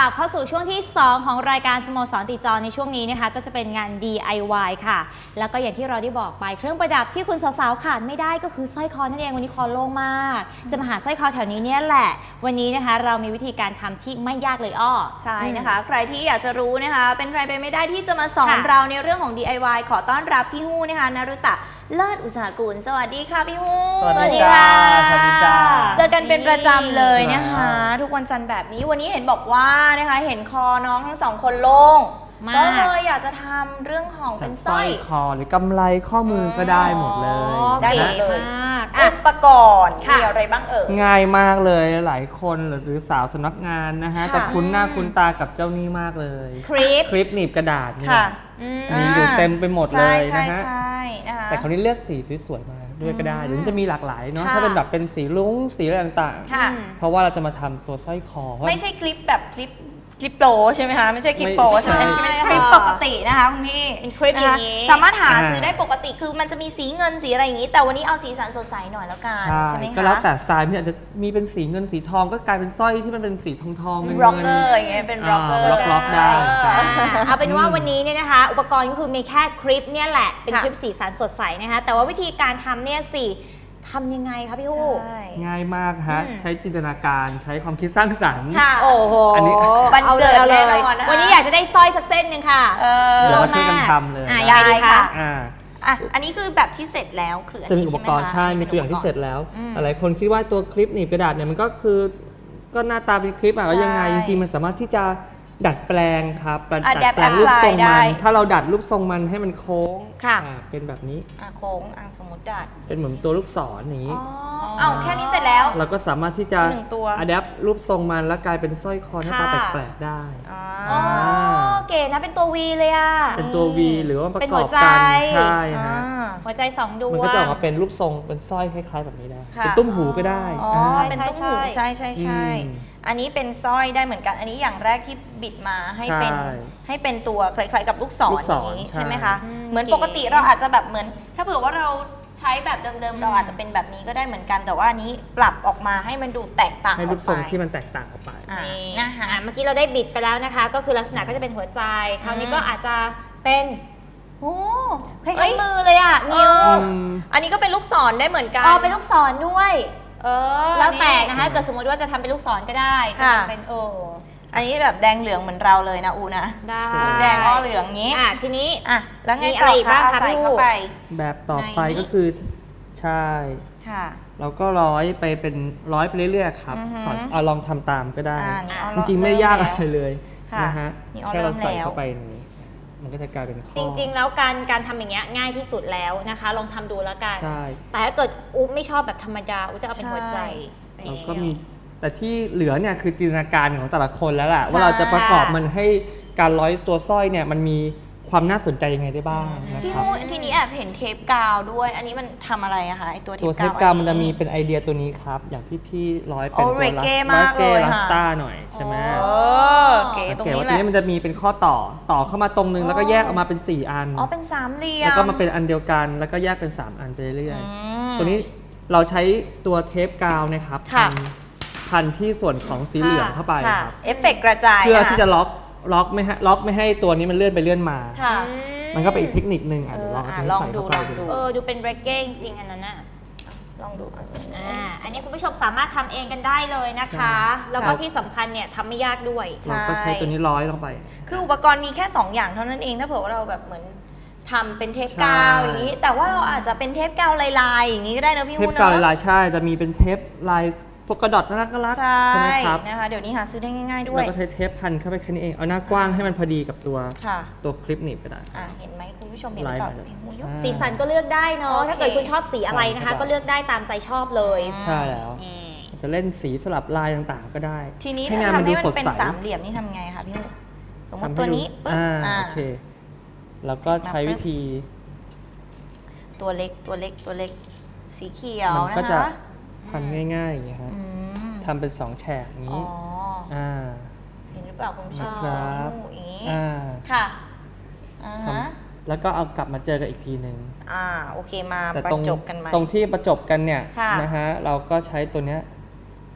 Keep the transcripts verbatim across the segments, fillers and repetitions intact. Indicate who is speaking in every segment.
Speaker 1: ลับเข้าสู่ช่วงที่สองของรายการสโมสรติดจอในช่วงนี้นะคะก็จะเป็นงาน ดี ไอ วาย ค่ะแล้วก็อย่างที่เราได้บอกไปเครื่องประดับที่คุณสาวๆขาดไม่ได้ก็คือสร้อยคอนั่นเองวันนี้คอโล่งมากจะมาหาสร้อยคอแถวนี้เนี่ยแหละวันนี้นะคะเรามีวิธีการทำที่ไม่ยากเลยอ้อ
Speaker 2: ใช่นะคะใครที่อยากจะรู้นะคะเป็นใครไปไม่ได้ที่จะมาสอนเราในเรื่องของ ดี ไอ วาย ขอต้อนรับพี่ฮู้นะคะนรุตะเลิศอุตสาหกุลสวัสดีค่ะพี่ฮู้
Speaker 3: สวัสดีค่ะสวัสดีจ้า
Speaker 2: เจอกันเป็นประจำเลยนะคะทุกวันจันทร์แบบนี้วันนี้เห็นบอกว่านะคะเห็นคอน้องทั้งสองคนโล่งก็เลยอยากจะทำเรื่องของเป็นสร้อย
Speaker 3: คอหรือกำไรข้อมือก็ได้หมดเลย
Speaker 2: ได้หมดเลยอุปกรณ์มีอะไรบ้างเอ่ย
Speaker 3: ง่ายมากเลยหลายคนหรือสาวสำนักงานนะฮะแต่คุ้นหน้าคุ้นตากับเจ้านี่มากเลย
Speaker 1: คลิป
Speaker 3: คลิปหนีบกระดาษนี่มีอยู่เต็มไปหมดเลยนะฮะแต่คราวนี้เลือกสีสวยๆมาด้วยก็ได้หรือจะมีหลากหลายเนาะถ้าเป็นแบบเป็นสีลุ้งสีอะไรต่างๆเพราะว่าเราจะมาทำตัวสร้อยคอ
Speaker 2: ไม่ใช่คลิปแบบคลิปคลิปโปรใช่ไหมคะไม่ใช่คลิปโปรใช่ไหมคลิปปกตินะคะคุณพี่
Speaker 1: เป็นคลิปอย่างนี้
Speaker 2: สามารถหาซื้อได้ปกติคือมันจะมีสีเงินสีอะไรอย่างนี้แต่วันนี้เอาสีสันสดใสหน่อยแล้วกันใช่ไหมคะ
Speaker 3: ก็แล้วแต่สไตล์ที่อาจจะมีเป็นสีเงินสีทองก็กลายเป็นสร้อยที่มันเป็นสีทองทอง
Speaker 2: ร็อกเกอร์อย่างเงี้ยเป็นร็อกเกอร์
Speaker 3: ล็อกได้
Speaker 1: เอาเป็นว่าวันนี้เนี่ยนะคะอุปกรณ์ก็คือมีแค่คลิปเนี่ยแหละเป็นคลิปสีสันสดใสนะคะแต่ว่าวิธีการทำเนี่ยสิทำยังไงคะพี่ฮู้
Speaker 3: ง่ายมากฮะใช้จินตนาการใช้ความคิดสร้างสรรค์
Speaker 1: โอ้โห
Speaker 3: อันนี้
Speaker 2: บันเจิดแน่นอน
Speaker 1: วันนี้อยากจะได้สร้อยสักเส้นหนึ่งค่ะ
Speaker 3: เดี๋ยวเราช่วยกันทำเลย
Speaker 1: ได้ค่ะ
Speaker 2: อ่ะอันนี้คือแบบที่เสร็จแล้วคืออันนี้
Speaker 3: ใช่ไหมคะจะมีอุปกรณ์ใช่มีตัวอย่างที่เสร็จแล้วหลายคนคิดว่าตัวคลิปหนีบกระดาษเนี่ยมันก็คือก็หน้าตาเป็นคลิปอะว่ายังไงจริงๆมันสามารถที่จะดัดแปลงครับ
Speaker 2: ดัดแปลง
Speaker 3: รูปทรงมันถ้าเราดัดรูปทรงมันให้มันโค้งเป็นแบบนี้
Speaker 2: โค้งสมมติดัด
Speaker 3: เป็นเหมือนตัวลูกศรอย่างนี้
Speaker 2: เอาแค่นี้เสร็จแล้ว
Speaker 3: เราก็สามารถที่จะอัดแอปรูปทรงมันแล้วกลายเป็นสร้อยคอหน้าตาแปลกๆได้
Speaker 1: อ๋อเก๋นะเป็นตัว วี เลยอ่ะ
Speaker 3: เป็นตัว วี หรือว่าประกอบกันใช่ฮะ
Speaker 1: หัวใจสองดวง
Speaker 3: มันก็จะออกมาเป็นรูปทรงเป็นสร้อยคล้ายๆแบบนี้ได้เป็นตุ้มหูก็ได้
Speaker 2: อ๋อเป็นตุ้มหูใช่ใช่ใช่อันนี้เป็นสร้อยได้เหมือนกันอันนี้อย่างแรกที่บิดมาให้เป็นให้เป็นตัวคล้ายๆกับลูกศรอย่างนี้ใช่ไหมคะเหมือนปกติเราอาจจะแบบเหมือนถ้าเผื่อว่าเราใช้แบบเดิมๆเราอาจจะเป็นแบบนี้ก็ได้เหมือนกันแต่ว่าอันนี้ปรับออกมาให้มันดูแตกต่างออกไป
Speaker 3: ให้รูปทรงที่มันแตกต่างออกไป
Speaker 1: นะคะเมื่อกี้เราได้บิดไปแล้วนะคะก็คือลักษณะก็จะเป็นหัวใจคราวนี้ก็อาจจะเป็นโอ้คล้ายๆมือเลยอ่ะนิ้ว
Speaker 2: อันนี้ก็เป็นลูกศรได้เหมือนกัน
Speaker 1: อ๋อเป็นลูกศรด้วยเออแล้วแต่นะคะเกิดสมมติว่าจะทำเป็นลูกศรก็ได้เป็นโอ
Speaker 2: อันนี้แบบแดงเหลืองเหมือนเราเลยนะอูนะ
Speaker 1: ได้
Speaker 2: แดงอ้อเหลืองนี้
Speaker 1: อ่ะทีนี้
Speaker 2: อ่ะแล้วไงต่อคะเอาใส่เข้าไป
Speaker 3: แบบต่อไปก็คือใช่
Speaker 2: ค่ะ
Speaker 3: เราก็ร้อยไปเป็นร้อยไปเรื่อยๆครับเอาลองทำตามก็ได้จริงๆไม่ยากอะไรเลยนะฮะแค่เราใส่เข้าไปนี่มันก็จะกลายเป็นข้อ
Speaker 1: จริงๆแล้วการการทำอย่างเงี้ยง่ายที่สุดแล้วนะคะลองทำดูแล้วกันแต่ถ้าเกิดอุ๊บไม่ชอบแบบธรรมดาอุ๊บจะเอาเป็นหัวใจ
Speaker 3: เราก็มีแต่ที่เหลือเนี่ยคือจินตนาการของแต่ละคนแล้วแหละว่าเราจะประกอบมันให้การร้อยตัวสร้อยเนี่ยมันมีความน่าสนใจยังไงได้บ้างนะครับ
Speaker 2: ทีนี้แอบเห็นเทปกาวด้วยอันนี้มันทำอะไรอะคะไอตัวเทปกาว
Speaker 3: ตัวเทปกาวมันจะมีเป็นไอเดียตัวนี้ครับอย่างที่พี่ร้อยเป็นตัวลัสเก้ลัสต้าหน่อยใช่ไหม
Speaker 2: เก๋ตรง
Speaker 3: นี้แหละตัวนี้มันจะมีเป็นข้อต่อต่อเข้ามาตรงนึงแล้วก็แยกออกมาเป็นสี่อัน
Speaker 2: อ๋อเป็นสามเหลี่ยม
Speaker 3: แล้วก็มาเป็นอันเดียวกันแล้วก็แยกเป็นสามอันไปเรื่อยๆตัวนี้เราใช้ตัวเทปกาวนะครับพันที่ส่วนของสีเหลืองเข้าไปครับ
Speaker 2: เอฟเฟกต์กระจาย
Speaker 3: เพื่อที่จะล็อกล็อกไม่ให้ล็อกไม่ให้ตัวนี้มันเลื่อนไปเลื่อนมามันก็เป็นอีกเทคนิคนึงอ่ะเดี๋ยวลอง
Speaker 2: ลองดูลองดู
Speaker 1: เออดูเป็นเบรกเก้จริงอันนั้นน่ะ
Speaker 2: ลองดู
Speaker 1: อ่าอันนี้คุณผู้ชมสามารถทำเองกันได้เลยนะคะแล้วก็ที่สำคัญเนี่ยทำไม่ยากด้วย
Speaker 3: เราก็ใช้ตัวนี้ร้อยลงไป
Speaker 2: คืออุปกรณ์มีแค่สองอย่างเท่านั้นเองถ้าเผื่อว่าเราแบบเหมือนทำเป็นเทปกาวอย่างนี้แต่ว่าเราอาจจะเป็นเทปกาวลายๆอย่างนี้ก็ได้นะพี่
Speaker 3: ฮู้เนาะเทปกาวลายใช่จะมีเป็นเทปลายโฟกัสดอทน่ารักน่ารักใช่ไหมครับ
Speaker 2: นะคะเดี๋ยวนี้หาซื้อได้ง่ายๆด้วย
Speaker 3: เราก็ใช้เทปพันเข้าไปแค่นี้เองเอาหน้ากว้างให้มันพอดีกับตัวตัวคลิปหนีบก็ได้
Speaker 2: เห็นไหมคุณผู้ชมเห็นก่อน
Speaker 1: สีสันก็เลือกได้เนาะถ้าเกิดคุณชอบสีอะไรนะคะก็เลือกได้ตามใจชอบเลย
Speaker 3: ใช่แล้วจะเล่นสีสลับลายต่างๆก็ได้
Speaker 2: ทีนี้ถ้าทำให้มันเป็นสามเหลี่ยมนี่ทำไงคะพี่สมมติตัวนี้ปึ๊บ
Speaker 3: โอเคแล้วก็ใช้วิธี
Speaker 2: ตัวเล็กตัวเล็กตัวเล็กสีเขียวนะคะ
Speaker 3: พันง่ายๆอย่างเงี้ยครับทำเป็นสองแฉกนี้
Speaker 2: อ่าเห็นหรือเปล่าคุณผู้ชม
Speaker 3: ครับ
Speaker 2: อย่างนี้
Speaker 3: อ่า
Speaker 2: ค่ะ
Speaker 3: แล้วก็เอากลับมาเจอกันอีกทีหนึ่ง
Speaker 2: อ่าโอเคมาประจบกันไหม
Speaker 3: ตรงที่ประจบกันเนี่ยนะฮะเราก็ใช้ตัวเนี้ย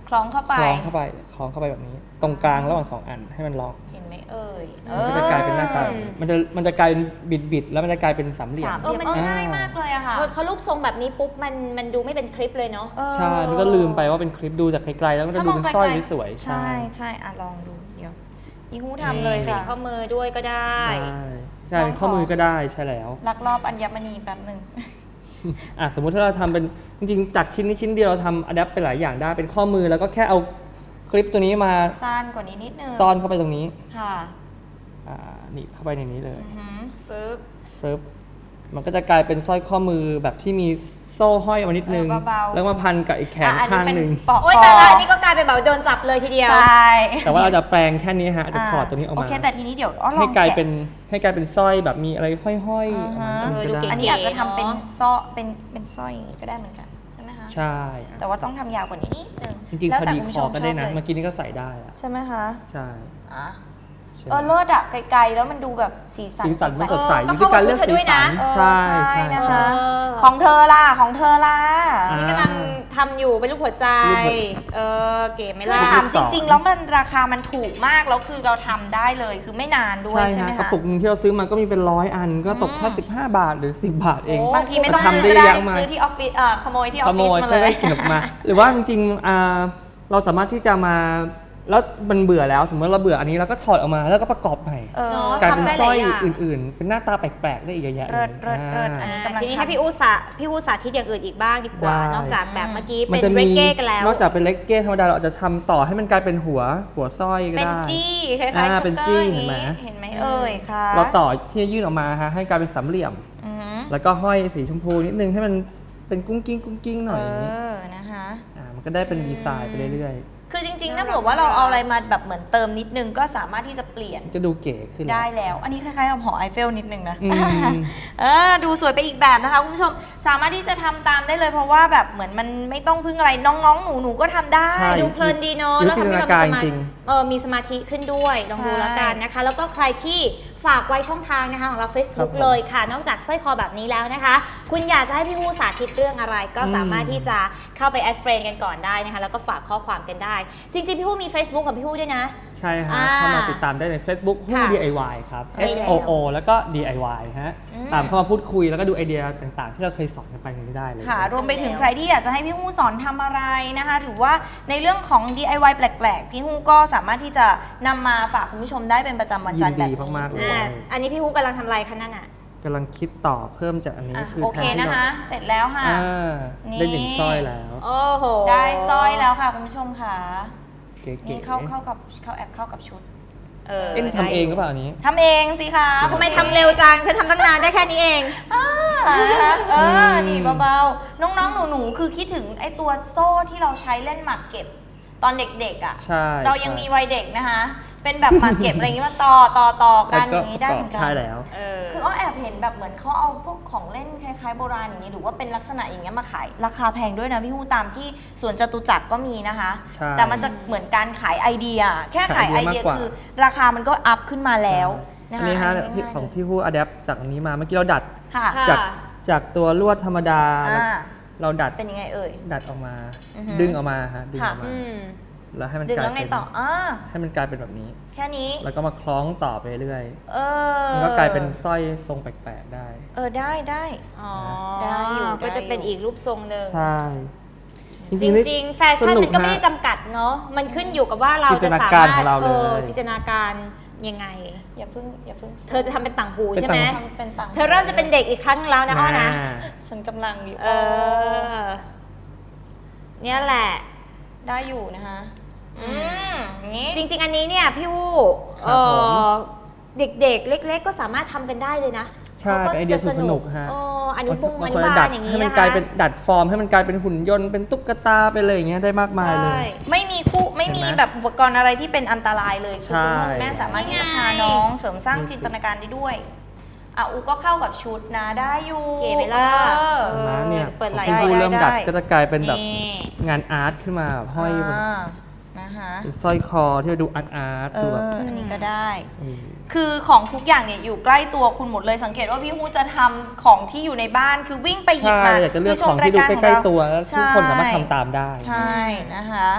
Speaker 2: คล้องเข้าไป
Speaker 3: คล้องเข้าไปคล้องเข้าไปแบบนี้ ตรงกลางระหว่างสองอันให้มันล็อก
Speaker 2: เห็นไหมเอ่ย
Speaker 3: มันก็จะกลายเป็นหน้าตาแบบนี้มันจะมันจะกลายเป็นบิดบิดๆแล้วมันจะกลายเป็นสามเหลี่ยม
Speaker 2: สามเหลี่ยม
Speaker 1: เออมัน
Speaker 2: เออง่ายมากเลยอะค่ะ
Speaker 1: พอพอรูปทรงแบบนี้ปุ๊บมันมันดูไม่เป็นคลิปเลยเนาะ
Speaker 2: เออ
Speaker 3: ใช่มันก็ลืมไปว่าเป็นคลิปดูจากไกลๆแล้วมันจะดูเป็นสร้อยสวยๆ
Speaker 2: ใช่ใช่อ่ะลองดูเดี๋ยวพี่ฮู้ทำเลยค่ะ
Speaker 1: ข้อมือด้วยก็ได้
Speaker 3: ใช่ใช่เป็นข้อมือก็ได้ใช่แล้ว
Speaker 2: ลักลอบอัญมณีแป๊บหนึ่ง
Speaker 3: อ่ะสมมุติถ้าเราทำเป็นจริงๆจากชิ้นนี้ชิ้นเดียวเราทำอะแดปไปหลายอย่างได้เป็นข้อมือแล้วก็แค่เอาคลิปตัวนี้มา
Speaker 2: สั้นกว่านี้นิดนึง
Speaker 3: ซ่อนเข้าไปตรงนี้
Speaker 2: ค่ะ
Speaker 3: อ่าหนีบเข้าไปในนี้เลย
Speaker 2: อือหือ
Speaker 1: ฟึบ
Speaker 3: ฟึบมันก็จะกลายเป็นสร้อยข้อมือแบบที่มีโซ่ห้อยมานิดนึง
Speaker 2: เออเบาๆ
Speaker 3: แล้วมาพันกับอีกแขน
Speaker 2: อ่ะ
Speaker 3: ข้าง
Speaker 2: เป็
Speaker 3: หนึ่ง
Speaker 2: ปอกค
Speaker 1: โอ๊ยแต่ละอันนี้ก็กลายเป็นแบบโดนจับเลยทีเดียว
Speaker 2: ใช่
Speaker 3: แต่ว่าเราจะแปลงแค่นี้ฮะจะถอดตัวนี้ออก
Speaker 2: โอ
Speaker 3: มา
Speaker 2: เคแต่ทีนี้เดี๋ยวอ้อล
Speaker 3: ให้
Speaker 2: อง
Speaker 3: กลาย
Speaker 2: แกะ
Speaker 3: เป็นให้กลายเป็นสร้อยแบบมีอะไรห้อยๆอ
Speaker 2: อ่า
Speaker 3: อก
Speaker 2: ฮะ
Speaker 3: มาอันนี้ก็
Speaker 1: เออดูเก๋
Speaker 3: ได้
Speaker 2: อันนี้อาจจะทำเป็น
Speaker 1: เนอะ
Speaker 2: ซ้อเป็นเป็นสร้อยอย่างนี้ก็ได้เหมือนกันใช่ไหมคะ
Speaker 3: ใช่อ่ะ
Speaker 2: แต่ว่าต้องทำยาวกว่านี้นิดนึง
Speaker 3: จริงๆ
Speaker 2: แล้ว
Speaker 3: พอ
Speaker 2: แต่
Speaker 3: ดี
Speaker 2: คุณ
Speaker 3: ค
Speaker 2: ผู้ช
Speaker 3: อ
Speaker 2: ม
Speaker 3: ก็ได้นะ
Speaker 2: ชอบเลย
Speaker 3: เมื่อกี้นี้ก็ใส่ได้อะ
Speaker 2: ใช่ไหมคะ
Speaker 3: ใช่
Speaker 2: อ่ะ
Speaker 3: ใช่
Speaker 2: เออเลิศอะไกลๆแล้วมันดูแบบสีสัน
Speaker 3: สีสันมันสดใส
Speaker 1: เออก็
Speaker 3: วิธีการเลือก
Speaker 1: เข้ากับชุดเธอ
Speaker 3: สี
Speaker 1: ด้วย
Speaker 3: สั
Speaker 1: นะ
Speaker 3: น
Speaker 2: เออ
Speaker 3: ใช่
Speaker 2: ใช่
Speaker 3: ใช่
Speaker 2: นะ
Speaker 3: ใช่
Speaker 2: คะ
Speaker 1: เออ
Speaker 2: ของเธอล่ะของเธอล่ะ
Speaker 3: อ่า
Speaker 1: ที่กำลังทำอยู่เป็นรูปหัวใจ
Speaker 3: รูปหัว
Speaker 1: เออเก๋ไหม
Speaker 2: คือ
Speaker 1: ล่ะ
Speaker 2: ถามจริง ๆ แล้วมันราคามันถูกมากแล้วคือเราทำได้เลยคือไม่นานด้วย
Speaker 3: ใช่
Speaker 2: ใช่ไหม
Speaker 3: ฮะกระ
Speaker 2: คะ
Speaker 3: ปุกหนึงที่เราซื้อมาก็มีเป็นร้อยอันก็ตกแค่สิบห้าบาทหรือสิบบาทเอง
Speaker 1: โอ้
Speaker 2: บางทีไม่ต้อง
Speaker 3: ทำ
Speaker 2: ซื้อก็ได้
Speaker 3: ได้เยอะมาก
Speaker 2: ซื้อที่ออฟฟิศเอ่อขโมยที่ออ
Speaker 3: ข
Speaker 2: ฟ
Speaker 3: โม
Speaker 2: ฟิศ
Speaker 3: ย
Speaker 2: มา
Speaker 3: ใช่
Speaker 2: เล
Speaker 3: ไหม
Speaker 2: ย
Speaker 3: เก็บมา หรือว่าจริงๆอ่าเราสามารถที่จะมาแล้วมันเบื่อแล้วสมมติเราเบื่ออันนี้เราก็ถอดออกมาแล้วก็ประกอบใหม่
Speaker 2: เออ
Speaker 1: เนอะ
Speaker 3: กลายเป็น
Speaker 1: ทำได้
Speaker 3: สร้อย
Speaker 1: หลายอย่าง
Speaker 3: อื่นๆ เป็นหน้าตาแปลกๆได้อีกเยอะแยะ
Speaker 2: เลิศ
Speaker 3: เลย
Speaker 2: เลิศเลิศอัน
Speaker 3: อ่า
Speaker 2: นี้กำลัง
Speaker 1: ทีนี้
Speaker 2: ทำ
Speaker 1: ให้พี่อูสาพี่อูสาธิตอย่างอื่นอีกบ้างดีกว่า
Speaker 3: ได้
Speaker 1: นอกจากแบบเมื่อกี้
Speaker 3: มั
Speaker 1: เป็น
Speaker 3: จะ
Speaker 1: เร
Speaker 3: มี
Speaker 1: เก้กันแล้ว
Speaker 3: นอกจากเป็นเลกเก้ธรรมดาเราอาจจะทำต่อให้มันกลายเป็นหัวหัวสร้อยก็
Speaker 2: เป็น
Speaker 3: ได้
Speaker 2: จี้คล้ายๆ
Speaker 3: อ่า
Speaker 2: ช็อก
Speaker 3: เป็น
Speaker 2: เกอ
Speaker 3: จี้
Speaker 2: ร์อย่าง
Speaker 3: เห็นไหม
Speaker 2: นี้เห็นไหมเอ่ยค่ะ
Speaker 3: เราต่อที่จะยื่นออกมาฮะให้กลายเป็นสามเหลี่ยม
Speaker 2: อือหือ
Speaker 3: แล้วก็ห้อยสีชมพูนิดนึงให้มันเป็นกุ้งกิ้งกุ้งกิ้งหน่อย
Speaker 2: เอ
Speaker 3: อย่างนี้
Speaker 2: อนะคะ
Speaker 3: อ่ามันก็ได้เป็นดีไซน์ไปเรื่อย
Speaker 2: คือจริงๆถ้าเผื่อว่าเราเอาอะไรมาแบบเหมือนเติมนิดนึงก็สามารถที่จะเปลี่ยน
Speaker 3: ๆจะดูเก๋ขึ้น
Speaker 2: ได้แล้ว อันนี้คล้ายๆกับหอไอเฟลนิดนึงนะ
Speaker 3: อืม
Speaker 2: เออ ดูสวยไปอีกแบบนะคะคุณผู้ชม สามารถที่จะทำตามได้เลยเพราะว่าแบบเหมือนมันไม่ต้องพึ่งอะไรน้องๆ หนูๆ ก็ทำได้
Speaker 3: ใช่
Speaker 1: ดูเพลินดีเนาะ
Speaker 3: อยู่
Speaker 1: แล้ว
Speaker 3: ที่
Speaker 1: ทำให้เรา
Speaker 3: จินตนาการ
Speaker 1: มีสมา
Speaker 3: จริง
Speaker 1: เออมีสมาธิขึ้นด้วยลองดู
Speaker 2: ใช่
Speaker 1: แล้วกันนะคะ แล้วก็ใครที่ฝากไว้ช่องทางนะคะของเรา Facebook
Speaker 3: ครับผม
Speaker 1: เลยค่ะ นอกจากสร้อยคอแบบนี้แล้วนะคะ คุณอยากจะให้พี่ฮู้สาธิตเรื่องอะไร ก็สามารถที่จะเข้าไปแอดเฟรนด์กันก่อนได้นะคะ แล้วก็ฝากข้อความกันได้ จริงๆ พี่ฮู้มี Facebook ของพี่ฮู้ด้วยนะ
Speaker 3: ใช่ฮะ
Speaker 1: อ่า
Speaker 3: เข้ามาติดตามได้ใน Facebook ฮู้
Speaker 1: ค่ะ
Speaker 3: ดี ไอ วาย ครับ
Speaker 1: ใช่
Speaker 3: H
Speaker 1: แล้ว
Speaker 3: O O แล้วก็ ดี ไอ วาย ฮะ
Speaker 2: อืม
Speaker 3: ตามเข้ามาพูดคุยแล้วก็ดูไอเดียต่างๆ ที่เราเคยสอนกันไปนี้ได้เลย
Speaker 2: ค่ะรวมไปถึงใครที่อยากจะให้พี่ฮู้สอนทำอะไรนะคะ หรือว่าในเรื่องของ ดี ไอ วาย แปลกๆ พี่ฮู้ก็สามารถที่จะนำมาฝากคุณผู้ชมได้เป็นประจำวันจันทร์แบบ
Speaker 3: ยินดี
Speaker 2: นี้
Speaker 3: มากๆเลย
Speaker 1: อ่าอันนี้พี่ฮู้กำลังทำอะไรคะนั่นอ่ะ
Speaker 3: กำลังคิดต่อเพิ่มจากอันนี้
Speaker 2: อ่ะ
Speaker 3: คือ
Speaker 2: โอเค
Speaker 3: แทที่
Speaker 2: นะคะ
Speaker 3: รา
Speaker 2: เสร็จแล้วค่ะ
Speaker 3: อ่า
Speaker 2: นี่
Speaker 3: ได้หนึ่งสร้อยแล้ว
Speaker 1: โอ้โห
Speaker 2: ได้สร้อยแล้วค่ะคุณผู้ชมค่ะ
Speaker 3: เก๋
Speaker 2: นี่
Speaker 3: ๆ
Speaker 2: เข้าเข้ากับเข้าแอปเข้ากับชุด
Speaker 1: เออ
Speaker 3: เอ็นทำเองหรือเปล่าอันนี้
Speaker 2: ทำเองสิคะ
Speaker 1: ทำไมทำเร็วจัง ฉันทำตั้งนานได้แค่นี้เอง
Speaker 2: อ่าเออนี่เบาๆ น้องๆ หนูๆ คือคิดถึงไอ้ตัวโซ่ที่เราใช้เล่นหมากเก็บตอนเด็กๆอ่ะ
Speaker 3: ใช่
Speaker 2: เรายัง
Speaker 3: ใช่
Speaker 2: มีวัยเด็กนะคะ เป็นแบบหมากเก็บอะไรอย่างงี้มาต่อต่อต่อกันอย่างนี้ได้เหมือนกั
Speaker 3: ใช่แล้ว
Speaker 1: เออ
Speaker 2: คืออ้อแอบเห็นแบบเหมือนเขาเอาพวกของเล่นคล้ายๆโบราณอย่างนี้หรือว่าเป็นลักษณะอย่างเงี้ยมาขายราคาแพงด้วยนะพี่ฮู้ตามที่สวนจตุจักรก็มีนะคะ
Speaker 3: ใช่
Speaker 2: แต่มันจะเหมือนการขายไอเดีย แค่ขายไอเดีย
Speaker 3: ขายไอเดียมากกว่า
Speaker 2: คือราคามันก็อัพขึ้นมาแล้วนะ
Speaker 3: อัน
Speaker 2: คะ
Speaker 3: นี้ฮะ
Speaker 2: อันนี้
Speaker 3: พี่
Speaker 2: ง่ายๆ
Speaker 3: ของพี่ฮู้อะแดปจากอันนี้มาเมื่อกี้เราดัด
Speaker 2: ค่ะ
Speaker 1: ค่ะ
Speaker 3: จากจากตัวลวดธรรมดา
Speaker 2: อ่า
Speaker 3: เราดัด
Speaker 2: เป็นยังไงเอ่ย
Speaker 3: ดัดออกมา
Speaker 2: อือฮึ
Speaker 3: ดึงออกมาฮะดึงอ
Speaker 2: ค่ะ
Speaker 3: อกมา
Speaker 1: อืม
Speaker 3: แล้วให้มัน
Speaker 2: ดึง
Speaker 3: กลาย
Speaker 2: แล้วไง
Speaker 3: เป็น
Speaker 2: ต่ออ่า
Speaker 3: ให้มันกลายเป็นแบบนี้
Speaker 2: แค่นี้
Speaker 3: แล้วก็มาคล้องต่อไปเรื่อย
Speaker 2: เออ
Speaker 3: มันก็กลายเป็นสร้อยทรงแปลกๆได้
Speaker 2: เออได้ได้
Speaker 1: อ๋อ
Speaker 2: ได้อยู่
Speaker 1: ก็จะเป็นอีกรูปทรงหนึ่ง
Speaker 3: ใช่
Speaker 1: จ
Speaker 3: ๆนี่
Speaker 1: ริง ๆ แฟชั่นมันก็ไม่ได้จำกัดเนาะ มันขึ้นอยู่กับว่าเราจะสามารถ
Speaker 3: จินตนาการของเราเลย
Speaker 1: ออจินตนาการยังไง
Speaker 2: อย่าเพิ่งอย่าเพิ่ง
Speaker 1: เธอจะทำเป็นต่างหู
Speaker 3: เป็น
Speaker 1: ใช่ไหม
Speaker 3: ต่าง
Speaker 2: ทำเป็นตัง
Speaker 1: เธอเริ่มจะเป็นเด็กอีกครั้งแล้วนะอ้อนะ
Speaker 3: อ่า
Speaker 2: ฉันกำลังอยู่
Speaker 1: เออ เนี่ยแหละ
Speaker 2: ได้อยู่นะคะ อืมนี่
Speaker 1: จริง ๆ อันนี้เนี่ยพี่วู้
Speaker 3: ครับผม
Speaker 1: เอ่อเด็กๆ เล็ก ๆ ก็สามารถทำกันได้เลยนะ
Speaker 3: ใช่
Speaker 1: ขา
Speaker 3: เป็นไอเดีย
Speaker 1: จะ
Speaker 3: สนุกฮะ
Speaker 1: เอออนุบงอ
Speaker 3: มัน
Speaker 1: นุ
Speaker 3: ควร
Speaker 1: บา
Speaker 3: จะดั
Speaker 1: ล
Speaker 3: ด
Speaker 1: อย่างนี้
Speaker 3: ให้มัน
Speaker 1: นะคะ
Speaker 3: กลายเป็นดัดฟอร์มให้มันกลายเป็นหุ่นยนต์เป็นตุ๊กตาเป็นอะไรอย่างเงี้ยได้มากมายเลย
Speaker 1: ใช่
Speaker 2: ไม่มีคู่ไม่มี
Speaker 3: เห็นไหม
Speaker 2: แบบอุปกรณ์อะไรที่เป็นอันตรายเลยคือ
Speaker 3: ใช่
Speaker 2: คุณพ่อคุณแม่สามารถที่จะ
Speaker 1: นี่ไง
Speaker 2: พาน้องเสริมสร้าง
Speaker 3: นี่สิ
Speaker 2: จินตนาการได้ด้วยอ่ะอูก็เข้ากับชุดนะได้อยู่
Speaker 1: เก๋ไหมล่ะ
Speaker 2: เออ
Speaker 3: เห็นไหมเนี่ย
Speaker 1: เปิดไหล่
Speaker 3: พอคุณ
Speaker 2: ได้
Speaker 3: เริ่มดัด
Speaker 2: ได้
Speaker 3: ก็จะกลายเป็นแบบ
Speaker 1: นี่
Speaker 3: งานอาร์ตขึ้นมาแบบห้อยบน
Speaker 2: อ่านะคะ
Speaker 3: เป็นสร้อยคอที่ดูอาร์ตอาร์ต
Speaker 2: เอ
Speaker 3: ดู
Speaker 2: อ
Speaker 3: แบบ
Speaker 2: อันนี้ก็ได้
Speaker 3: เออ
Speaker 2: คือของทุกอย่างเนี่ยอยู่ใกล้ตัวคุณหมดเลยสังเกตว่าพี่ฮู้จะทำของที่อยู่ในบ้านคือวิ่งไปหยิบ
Speaker 3: ใช่
Speaker 2: มา
Speaker 3: อยากจะเลือก
Speaker 2: คืช
Speaker 3: ข
Speaker 2: ม
Speaker 3: องที่ดู
Speaker 2: รายาร
Speaker 3: ใกล้
Speaker 2: ของ
Speaker 3: ๆตัวแล้วทุกคนสามารถทำตามได้
Speaker 2: ใช่นะคะ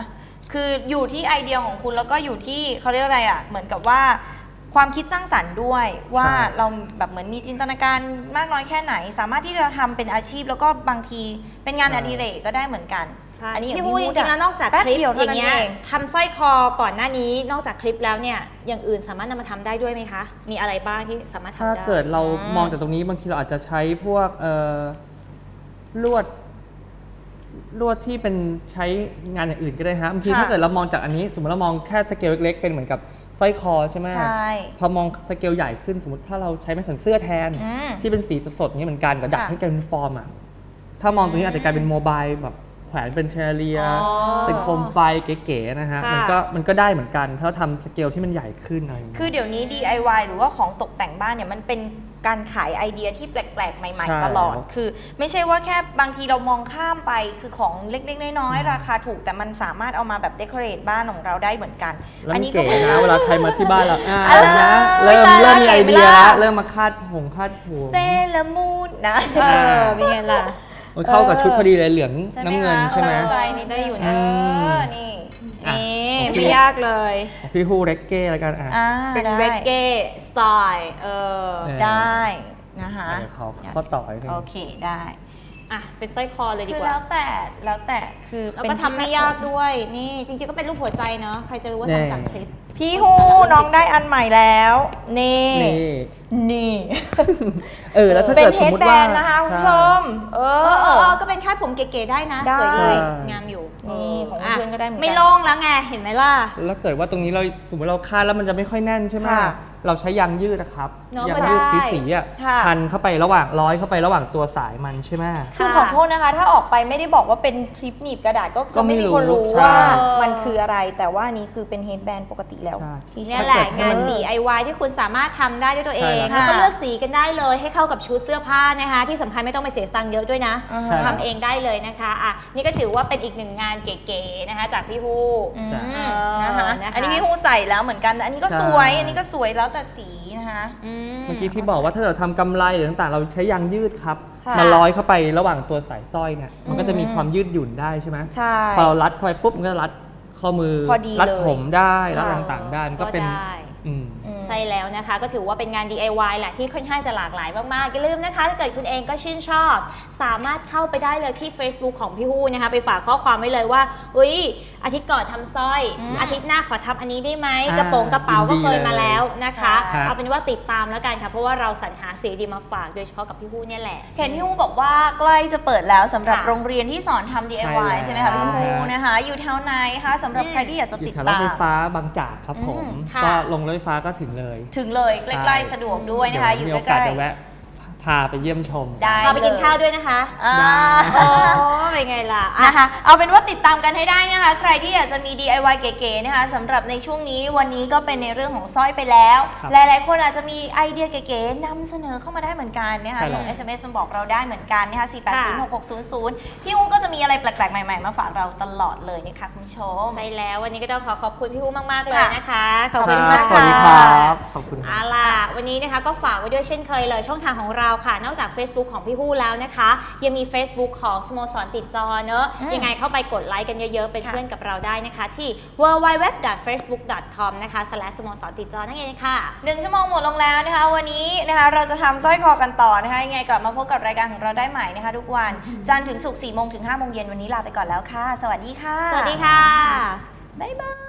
Speaker 2: คืออยู่ที่ไอเดียของคุณแล้วก็อยู่ที่เขาเรียกอะไรอ่ะเหมือนกับว่าความคิดสร้างสรรค์ด้วยว่าเราแบบเหมือนมีจินตนาการมากน้อยแค่ไหน สามารถที่จะทำเป็นอาชีพแล้วก็บางทีเป็นงานอดิเรกก็ได้เหมือนกัน
Speaker 1: อั
Speaker 2: อั
Speaker 1: น
Speaker 2: น
Speaker 1: นี้
Speaker 2: นี้
Speaker 1: พี่พูดจริงๆแล้วนอกจาก
Speaker 2: แป๊บ
Speaker 1: คลิป
Speaker 2: เดียว
Speaker 1: อ
Speaker 2: เท่า
Speaker 1: ย่า
Speaker 2: นั้
Speaker 1: ง
Speaker 2: น
Speaker 1: เงี้ย
Speaker 2: เอง
Speaker 1: ทำสร้อยคอก่อนหน้านี้นอกจากคลิปแล้วเนี่ยอย่างอื่นสามารถนำมาทำได้ด้วยไหมคะมีอะไรบ้างที่สามารถทำ
Speaker 3: ถ้า
Speaker 1: ได้
Speaker 3: เกิดเรา
Speaker 2: อืม
Speaker 3: มองจากตรงนี้บางทีเราอาจจะใช้พวกเอ่อลวดลวดที่เป็นใช้งานอย่างอื่นก็ได้ฮะบางทีถ้าเกิดเรามองจากอันนี้ สมมติเรามองแค่สเกลเล็กๆเป็นเหมือนกับสร้อยคอใช่ไหม
Speaker 2: ใช่
Speaker 3: พอมองสเกลใหญ่ขึ้นสมมติถ้าเราใช้ไม้แขวนเสื้อแทน
Speaker 2: อืม
Speaker 3: ที่เป็นสีสดๆอย่างนี้เหมือนกันแต่ดัด
Speaker 2: ค่ะ
Speaker 3: ให้กลายเป็นฟอร์มอ่ะถ้ามองตรงนี้อาจจะกลายเป็นโมบายแบบแขวนเป็นแชเลีย
Speaker 1: อ๋อ
Speaker 3: เป็นโคมไฟเก๋ๆนะฮะ
Speaker 1: ค่ะ
Speaker 3: มันก็มันก็ได้เหมือนกันถ้าเราทำสเกลที่มันใหญ่ขึ้นอะไรอย่างเงี้ย
Speaker 2: คือเดี๋ยวนี้ ดี ไอ วาย หรือว่าของตกแต่งบ้านเนี่ยมันเป็นการขายไอเดียที่แปลกๆ ใหม่
Speaker 3: ใช่
Speaker 2: ๆ ตลอด คือไม่ใช่ว่าแค่บางทีเรามองข้ามไปคือของเล็กๆ น้อยๆ ราคาถูกแต่มันสามารถเอามาแบบเดคอเรทบ้านของเราได้เหมือนกัน
Speaker 3: แล้ว
Speaker 2: อั
Speaker 3: มัน
Speaker 2: นี้
Speaker 3: เก๋นะเวลาใครมาที่บ้านเราอ่า
Speaker 2: เออ
Speaker 3: นะเริ่ม
Speaker 2: ตายแล้ว
Speaker 3: เริ่มมีไอเดีย
Speaker 2: เก๋ไหมล่ะ
Speaker 3: แล้วเริ่มมาคาดหงคาดหัว
Speaker 2: เซเลอร์มูนนะ
Speaker 1: เออเป็นไงล่ะ
Speaker 3: โอ้ยเข้ากับชุดพอดีเลยเหลือง
Speaker 2: ใช่ไหม
Speaker 3: น้ำเงิน
Speaker 2: คะ
Speaker 3: ใช่ไหม
Speaker 2: ตั้งใจนี่ได้อยู่นะ
Speaker 3: อืม
Speaker 2: เออนี่
Speaker 3: อ่ะ
Speaker 1: นี่
Speaker 3: โอเค
Speaker 1: ไม่ยากเลย
Speaker 3: ของพี่ฮูเร็กเก้แล้วกันอ่ะ
Speaker 2: อ่า
Speaker 1: เป็น
Speaker 2: ได้
Speaker 1: เรกเก้สไตล์เออ
Speaker 3: เออ
Speaker 2: ได้นะคะ
Speaker 3: เดี๋ยวเขาข้อต่ออีกที
Speaker 2: โอเคได้
Speaker 1: อ่ะเป็นสร้อยคอเลยดี
Speaker 2: คือก
Speaker 1: ว่า
Speaker 2: แล้วแต่แล้วแต่คือ
Speaker 1: แล้ว
Speaker 2: เป็น
Speaker 1: ก็ทำไม่ยากด้วยนี่จริงๆก็เป็นรูปหัวใจเนาะใครจะรู้ว่าทำจากคลิป
Speaker 2: พี่ฮูน้องได้อันใหม่แล้ว นี่
Speaker 3: นี่
Speaker 2: นี่
Speaker 3: เออแล้วถ้า
Speaker 2: เป็น
Speaker 3: เกิด
Speaker 2: เฮ
Speaker 3: สม
Speaker 2: ด
Speaker 3: มติ
Speaker 2: แบ
Speaker 3: ว่าน
Speaker 2: นะคะคุณผู้ช
Speaker 3: ใช่
Speaker 2: มเอ
Speaker 1: เออเออ
Speaker 2: อ
Speaker 1: เออก็เป็นคาดผมเก๋ๆได้นะ
Speaker 2: ได้
Speaker 1: สวยดี
Speaker 3: ใช่
Speaker 1: งามอยู่
Speaker 2: นี่ของ
Speaker 1: ะ
Speaker 2: เพื่อนก็ได้เหมือนกัน
Speaker 1: ไม่โล่งแล้วไงเห็นไหมล่ะ
Speaker 3: แล้วเกิดว่าตรงนี้เราสมมติเราคาดแล้วมันจะไม่ค่อยแน่นใช่ไหม
Speaker 2: ค่ะ
Speaker 3: เราใช้ยางยืดนะครับ
Speaker 1: เนอะ
Speaker 3: ยาง
Speaker 1: ก็
Speaker 3: ยืด
Speaker 1: ได้
Speaker 3: สีๆอ่ะ
Speaker 2: ค่ะ
Speaker 3: พันเข้าไประหว่างร้อยเข้าไประหว่างตัวสายมันใช่ไหม
Speaker 2: คือขอโทษนะคะ ถ้าออกไปไม่ได้บอกว่าเป็นคลิปหนีบกระดาษก็
Speaker 3: ก็
Speaker 2: ก็
Speaker 3: ไม่
Speaker 2: ไม่
Speaker 3: รู้
Speaker 2: มีคนรู้
Speaker 3: ใช่
Speaker 2: ว่ามันคืออะไร แต่ว่าอันนี้คือเป็นเฮดแบนปกติแล้ว
Speaker 3: ใช่
Speaker 2: ที่
Speaker 1: เนี่ย
Speaker 2: ใช้
Speaker 1: แหละ
Speaker 3: ถ้าเกิด
Speaker 1: งาน
Speaker 3: มัน
Speaker 1: ดี ไอ วาย ที่คุณสามารถทำได้ด้วยตัวเอง
Speaker 3: ใช่แล้ว
Speaker 1: แล้วก็เลือกสีกันได้เลยให้เข้ากับชุดเสื้อผ้านะคะ ที่สำคัญไม่ต้องไปเสียตังค์เยอะด้วยนะ
Speaker 2: อ่า
Speaker 3: ใช่
Speaker 1: ทำเองได้เลยนะคะอ่ะนี่ก็ถือว่าเป็นอีกหนึ่งงานเก๋ๆนะคะ จากพี่ฮู้
Speaker 2: อืม
Speaker 3: จ้ะ
Speaker 2: นะคะ
Speaker 1: นะคะ
Speaker 2: อันนี้พี่ฮูใส่แล้วเหมือนกันแต่อันนี้ก็
Speaker 3: ใช่
Speaker 2: สวย อันนี้ก็สวยแล้วแต่สีนะคะ
Speaker 1: อื
Speaker 3: เมื่อกี้ที่บอกว่าถ้าเราทำกำไรหรือต่างๆ เราใช้ยางยืดครับ
Speaker 2: ค่ะ
Speaker 3: มาร้อยเข้าไประหว่างตัวสายสร้อยเนี่ยมันก็จะมีความยืดหยุ่นได้ใช่ไหม
Speaker 2: ใช่
Speaker 3: พอเรารัดเข้าไปปุ๊บมันก็รัดข้อมือ
Speaker 2: พอดี
Speaker 3: รัด
Speaker 2: เลย
Speaker 3: ผมได้รัด
Speaker 2: ค่ะ
Speaker 3: ต่างๆได้มันก็เป็น
Speaker 1: ได้
Speaker 3: อืม
Speaker 2: อืม
Speaker 1: ใช่แล้วนะคะ ก็ถือว่าเป็นงาน ดี ไอ วาย แหละที่ค่อนข้างจะหลากหลายมากๆอย่าลืมนะคะถ้าเกิดคุณเองก็ชื่นชอบ สามารถเข้าไปได้เลยที่ Facebook ของพี่ฮู้นะคะ ไปฝากข้อความไว้เลยว่าอุ้ยอาทิตย์ก่อนทำสร้อย
Speaker 2: อืม
Speaker 1: อาทิตย์หน้าขอทำอันนี้ได้ไหม
Speaker 3: อ่าก
Speaker 1: ระโปรงกระเป๋าก็เคยมาแล้วนะคะ
Speaker 2: ใช่
Speaker 1: เอาเป็นว่าติดตามแล้วกันค่ะเพราะว่าเราสรรหาสีดีมาฝากโดยเฉพาะกับพี่ฮู้เนี่ยแหละ
Speaker 2: เห็นพี่ฮูบอกว่าใกล้จะเปิดแล้วสำหรับ
Speaker 1: ค่ะ
Speaker 2: โรงเรียนที่สอนทำ ดี ไอ วาย
Speaker 3: ใช่
Speaker 2: ใช่ไหมคะ
Speaker 3: แล้ว
Speaker 2: พี่ฮูนะคะ อยู่แถวไหนคะสำหรับใครที่อยากจะ
Speaker 3: อยู่
Speaker 2: ติด
Speaker 3: แถวรถ
Speaker 2: ตาม
Speaker 3: ไฟฟ้าบางจากครับผม
Speaker 2: อืม
Speaker 1: ค่ะ
Speaker 3: ก็ลงรถไฟฟ้าก็ถึงเลย
Speaker 2: ถึงเลยใกล้ๆสะดวกด้วยนะคะ อยู่
Speaker 3: เดี๋วมีโอ
Speaker 2: ใก
Speaker 3: กาส
Speaker 2: ล้
Speaker 3: จะแวะพาไปเยี่ยมชม
Speaker 2: ๆได้
Speaker 1: พาไปกินข้าวด้วยนะคะ
Speaker 2: อ่า
Speaker 1: โอ้เป็นไงล่ะอ่ะ
Speaker 2: นะคะเอาเป็นว่าติดตามกันให้ได้นะคะ ใครที่อยากจะมี ดี ไอ วาย เก๋ๆนะคะสำหรับในช่วงนี้วันนี้ก็เป็นในเรื่องของสร้อยไปแล้ว
Speaker 3: ครับ
Speaker 2: หลายๆ คนอาจจะมีไอเดียเก๋ๆนำเสนอเข้ามาได้เหมือนกันนะคะ
Speaker 3: ใช่แล้ว
Speaker 2: ส่ง เอส เอ็ม เอส มาบอกเราได้เหมือนกันนะคะสี่แปดศูนย์หกหกศูนย์ศูนย์พี่ฮู้ก็จะมีอะไรแปลกๆ ใหม่ๆ มาฝากเราตลอดเลยนะคะคุณผู้ชม
Speaker 1: ใช่แล้ววันนี้ก็ต้องขอขอบคุณพี่ฮู้มากๆเลยนะคะ ขอบ
Speaker 2: ขอบคุ
Speaker 1: คุณ
Speaker 2: ณ
Speaker 1: มาก
Speaker 3: สวัสดีค
Speaker 1: ค่ะ
Speaker 3: รับ ขอบคุณค
Speaker 1: เอา
Speaker 3: รับ
Speaker 1: ล่ะวันนี้นะคะก็ฝากไว้ด้วยเช่นเคยเลยช่องทางของเราค่ะ นอกจาก Facebook ของพี่ฮู้แล้วนะคะ ยังมี Facebook ของสโมสรติดจอเนอะ
Speaker 2: อืม
Speaker 1: ยังไงเข้าไปกดไลค์กันเยอะๆ เป็น
Speaker 2: ค่ะ
Speaker 1: เพื่อนกับเราได้นะคะ ที่ ดับเบิลยู ดับเบิลยู ดับเบิลยู ดอท เฟซบุ๊ก ดอท คอม นะคะ สแลช สโมสรติดจอนั่นเองค่ะ
Speaker 2: หนึ่งชั่วโมงหมดลงแล้วนะคะ วันนี้นะคะเราจะทำสร้อยคอกันต่อนะคะยังไงกลับมาพบกับรายการของเราได้ใหม่นะคะ ทุกวันจันทร์ถึงศุกร์สี่โมงถึงห้าโมงเย็นวันนี้ลาไปก่อนแล้วค่ะ สวัสดีค่ะ
Speaker 1: สวัสดีค่ะ
Speaker 2: บ๊ายบาย